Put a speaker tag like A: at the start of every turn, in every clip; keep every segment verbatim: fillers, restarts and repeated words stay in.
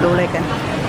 A: ดูเลยกัน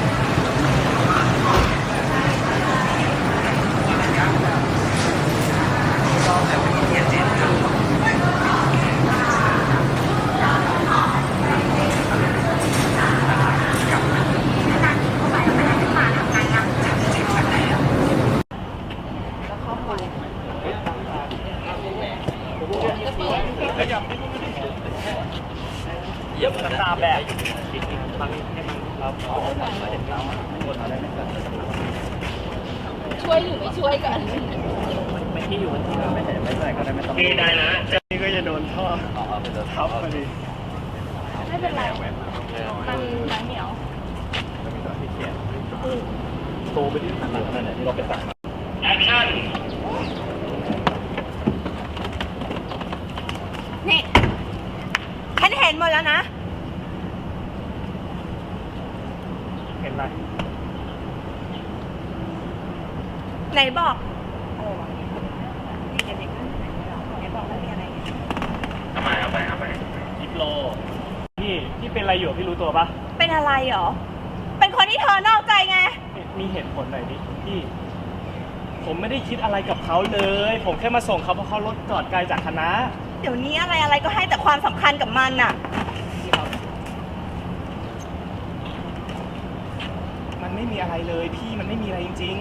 B: เยี่ยมตามแบบฟังให้มันเราเห็นเราคนอะไรไม่เกิด
C: ช่วยหรือไม่ช่วยกัน
B: ไม่ที่อยู่ที่เราไม่เห็นไม่ใส่ก็ได้ไม่ต้องดีได้นะเจ้านี่ก็จะโดนท่อทับพอดี
C: ไม่เป็นไรมันมันเหนียว
B: ไม่มีตัวที่เขียนโตไปที่หนังขนาดไหนที่เราไปตัดแอคชั่น
C: นี่ฉันเห็นหมดแล้วนะ
B: เห็นอะไร
C: ไหนบอกอะไรวะนี่เด็กๆนั่นไหนบอกว่ามีอะไร
B: เอาไปเอาไปเอาไปยิปโลพี่พี่เป็นอะไรอยู่พี่รู้ตัวปะ
C: เป็นอะไรหรอเป็นคนที่เธอนอกใจไง
B: มีเหตุผลหน่อยดิพี่ผมไม่ได้คิดอะไรกับเขาเลยผมแค่มาส่งเขาเพราะเขารถจอดไกลจากคณะ
C: เดี๋ยวนี้อะไรอะไรก็ให้แต่ความสำคัญกับมันน่ะ
B: มันไม่มีอะไรเลยพี่มันไม่มีอะไรจริง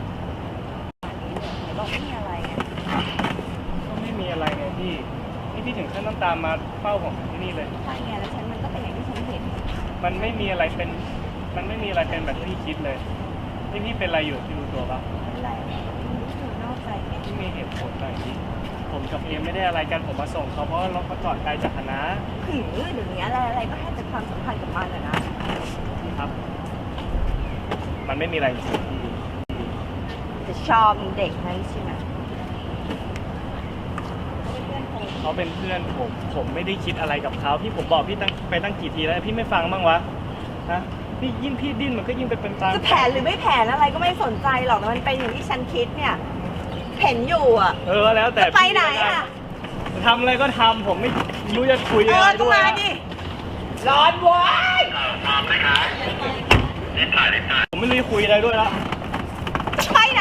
C: ๆบอกไม่มีอะไรไง
B: ก็ไม่มีอะไรไงพี่นี่พี่ถึงขั้นต้องตามมาเฝ้าผมที่นี่เลย
C: ใช่ไงแล้วฉันมันก็เป็นอย่างที่ฉันเห็น
B: มันไม่มีอะไรเป็นมันไม่มีอะไรเป็นแบบที่พี่คิดเลยนี่พี่เป็นอะไรอยู่พี่รู้ตัวปะ
C: อะไรคือนอกใจไง
B: ที่มีเหตุผลหน่อยพี่ผมกับเอมไม่ได้อะไรกันผมมาส่งเขาเพราะเราเขาจอดไกลจากคณะ
C: หือเดี๋ยวนี้อะไรอะไรก็ให้แต่ความสำคัญกับมันอะนะครับ
B: มันไม่มีอะไรจริง
C: จะชอบเด็กนั้นใช่ไหม
B: เขาเป็นเพื่อนผมผมไม่ได้คิดอะไรกับเขาพี่ผมบอกพี่ตั้งไปตั้งกี่ทีแล้วพี่ไม่ฟังบ้างวะนะพี่ยิ่งพี่ดิ้นมันก็ยิ่งไปเป็นตาม
C: จะแผนหรือไม่แผนอะไรก็ไม่สนใจหรอกแต่มันเป็นอย่างที่ฉันคิดเนี่ยเห็นอยู่อ่ะ
B: เออแล้วแต่
C: ไปไหนอ่ะ
B: ทำอะไรก็ทำผมไม่รู้จะคุยอะไรด้วย
C: ร้อนว้าย
B: ทำเลยครับนี่ถ่ายเลยถ่ายผมไม่รู้จะคุยอะไรด้วยแล้ว
C: ไปไหน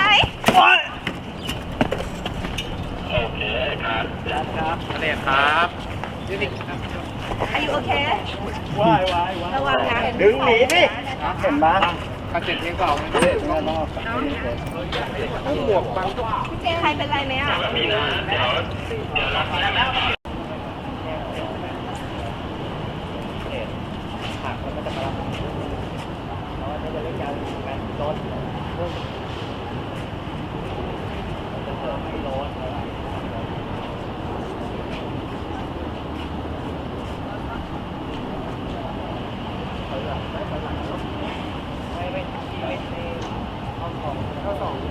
B: โอเคครับครับอะไรครับยูนิค
C: อายุโอเค
B: ว้ายว้ายว้าย
C: ระวังนะ
B: ดึงหนีดิเห็นปะกระเจ็ดเพียงเก่าไม่ได้ไม่รอบต้องบวกบางตัว
C: พี่เจใครเป็นไรไหมอ่ะ
B: มีนะเดี๋ยวเดี๋ยวรับแล้วผักมันจะมารับเราจะเล่นยาวแมนโดนจะเพิ่มให้โดนไม่ไม่ไม่ไม่ห้องของข้อสอง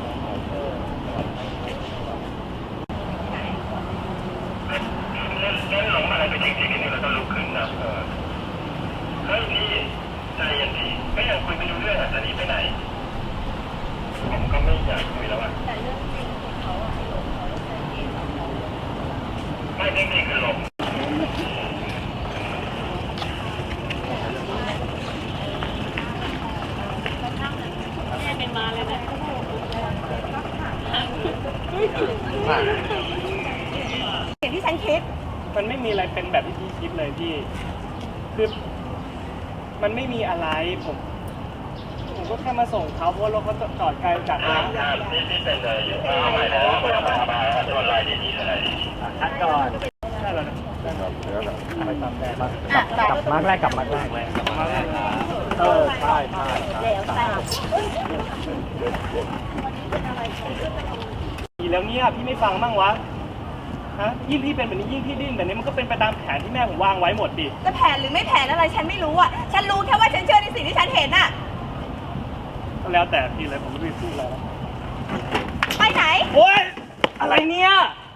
B: เล่นหลงอะไรไปจริงๆนี่เราต้องลุกขึ้นนะเออเฮ้ยพี่ใจเย็นดีไม่อยากคุยไม่รู้เรื่องอ่ะจะหนีไปไหนผมก็ไม่อยากคุยแล้วอ่ะ
C: แต่เรื่องจริงของเขาอ่ะหลงเขาใจเย็น
B: ไม่จริงๆคือหลง
C: เป็นมาเลยนะอย่างที่ฉันคิด
B: มันไม่มีอะไรเป็นแบบที่พี่คิดเลยพี่คือมันไม่มีอะไรผมผมก็แค่มาส่งเขาเพราะรถเขาจอดไกลจากร้านนี่ที่เป็นเลยอยู่เอาใหม่แล้วเอามาเอามาตัวลายดีๆอะไรคัดก่อนได้แล้วนะได้แล้วเดี๋ยวไปตามแดงมากลับกลับมาแรกกลับมาแรกเลยกลับมาแรกเออใช่ใช่ดีแล้วเนี่ยพี่ไม่ฟังบ้างวะฮะยิ่งพี่เป็นแบบนี้ยิ่งพี่ดิ้นแบบนี้มันก็เป็นไปตามแผนที่แม่ผมวางไว้หมดดิ
C: จะแผนหรือไม่แผนอะไรฉันไม่รู้อ่ะฉันรู้แค่ว่าฉันเชื่อในสิ่งที่ฉันเห็นอ่ะ
B: ก็แล้วแต่พี่เลยผมไม่รู้จะพูดอะไร
C: ไปไหน
B: โอ๊ยอะไรเนี่ย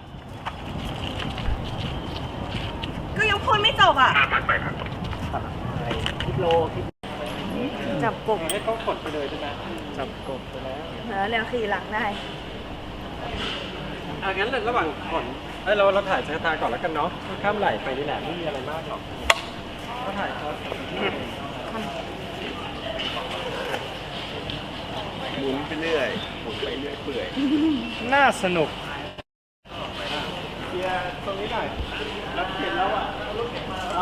C: ก็ยังพูดไม่จบอ่ะ
B: ไปครับคิดโลคิด
C: จับกบ
B: ให้เขากดไปเลยใช่ไหมจับกบไปแล้ว
C: แล้วเร็วขี่หลังได้
D: อ่ะงั้นระหว่างก่อนเอ้ยเราเราถ่ายสายตาก่อนแล้วกันเนาะข้ามไหลไปนี่แหละไม่มีอะไรมากหรอกก็ถ่ายเขาปื่อย
B: น่าสนุกเคลียร์ตรงนี้หน่อยแล้วเห็นแล้วอ่ะรถเก็บมาแล้ว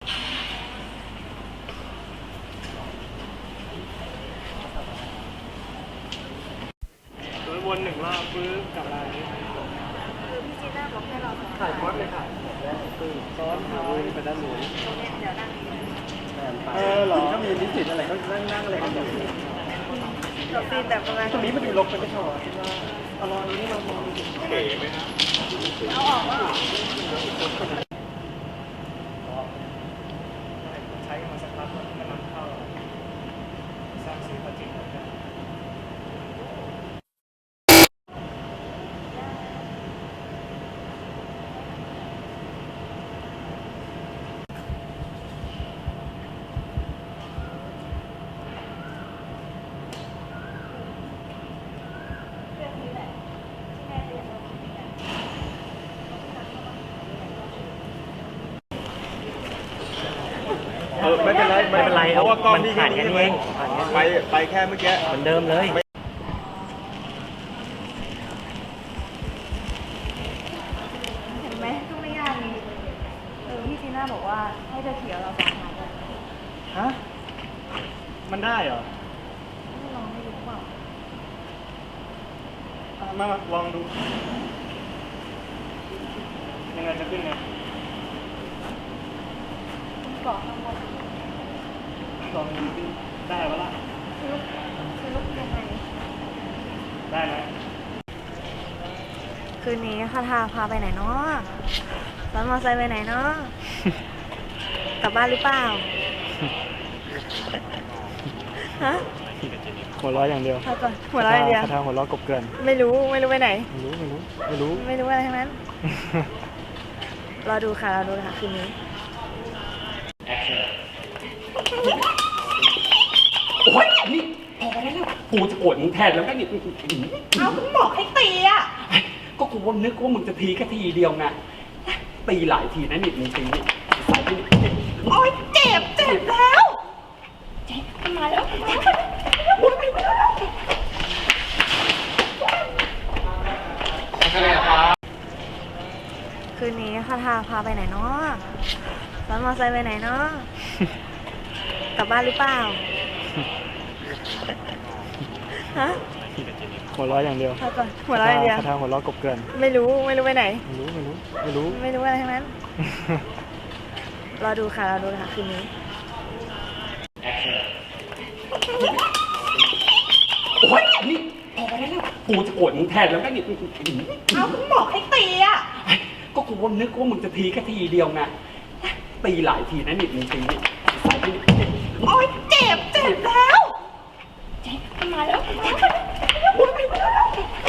B: โดยวนหนึ่งรอบปึ๊บกลับมาอย่างนี้
C: คือพี่จีน่าบอกให้เราสอง
B: ถ่ายคอสเลยค่ะคือซ้อนท้ายไปด้านนู้น
C: ตรงเนี้ยเดี๋ยวนั่งนี้
B: เออเหรอถ้ามีนิสิตอะไรก็นั่งนั่งอะไรกันอยู่
C: เราซีนแบบประมาณ
B: ตรงนี้มันดูรกไปไม่ใช่หรอคิดว่าเอาลองอันนี้มาลองดูเก๋ไหมนะ
C: เอาออกว่า
B: ใช้กันมาสักพักแล้วมันนำเข้าสร้างซื้อผลิตแล้วกัน
C: เรื่องนี้แหละที่แม่เรียนเราคิดกัน
D: เออไม่เป็นไรไม่เป็นไร
A: เพราะว่ากล้อง
D: มัน
A: ที่
D: ผ่าน
A: แค่
D: แค่
A: นี้
D: นี้
A: เอ
D: เอง ง
A: ไปไปแค่เมื่อกี้
D: เหมือนเดิมเลย
C: เห็นไหมก็ไม่ยากนี่เออพี่จีน่าบอกว่าให้เธอเขียวเราสองทางเลย
B: ฮะมันได้เหรอ
C: ไม่ลองไม่รู้เปล่า
B: อ่ะมามาลองดูยังไงจะขึ้นไง
C: คุณเกาะข้างบน
B: ลองดูดิได้ปะล่ะ
C: คือลูกคือลูกยังไง
B: ได้ไหม
C: คืนนี้คาทาพาไปไหนเนาะซ้อนมอเตอร์ไซค์ไปไหนเนาะ กลับบ้านหรือเปล่า ฮะ
B: หัวเราะอย่างเดียว
C: พาก่อนหัวเราะอย่างเดียว
B: คาถาหัวเราะกบเกลื่อน
C: ไม่รู้ไม่รู้ไปไหน
B: ไม่รู้ไม่รู้ไม่รู้
C: ไม่รู้อะไรทั้งนั้น รอดูค่ะรอดูค่ะคืนนี้
A: โอ้ยนี่พอแล้วกูจะโกรธมึงแทนแล้วแม่นี่
C: เอาคุณบอกให้ตีอ่ะ
A: ก็กูว่านึกว่ามึงจะทีแค่ทีเดียวไงตีหลายทีนะนี่มึงตีนี่ใส่ที่นี่
C: โอ๊ยเจ็บเจ็บแล้วเจ็บมันมาแล้วโอ๊ยไปแล้วคืนนี้คาทาพาไปไหนเนาะซ้อนมอเตอร์ไซค์ไปไหนเนาะ กลับบ้านหรือเปล่า ฮะ
B: หัวเราะอย่างเดียว
C: พาก่อนหัวเราะอย่างเดียว
B: คาถาหัวเราะกบเกลื่อน
C: ไม่รู้ไม่รู้ไปไหน
B: ไม่รู้ไม่รู้ไม่รู้
C: ไม่รู้อะไรทั้งนั้น รอดูค่ะรอดูค่ะคืนนี้
A: โอ้ยนี่พอแล้วกูจะโกรธมึงแทนแล้วแม่นี่
C: เอาคุณบอกให้ตีอ่ะ
A: ก็กูว่านึกว่ามึงจะทีแค่ทีเดียวไงตีหลายทีนะนี่มึงตีนี่ใส่ที่นี่
C: โอ๊ยเจ็บเจ็บแล้วเจ็บมันมาแล้วโอ๊ยไปแล้ว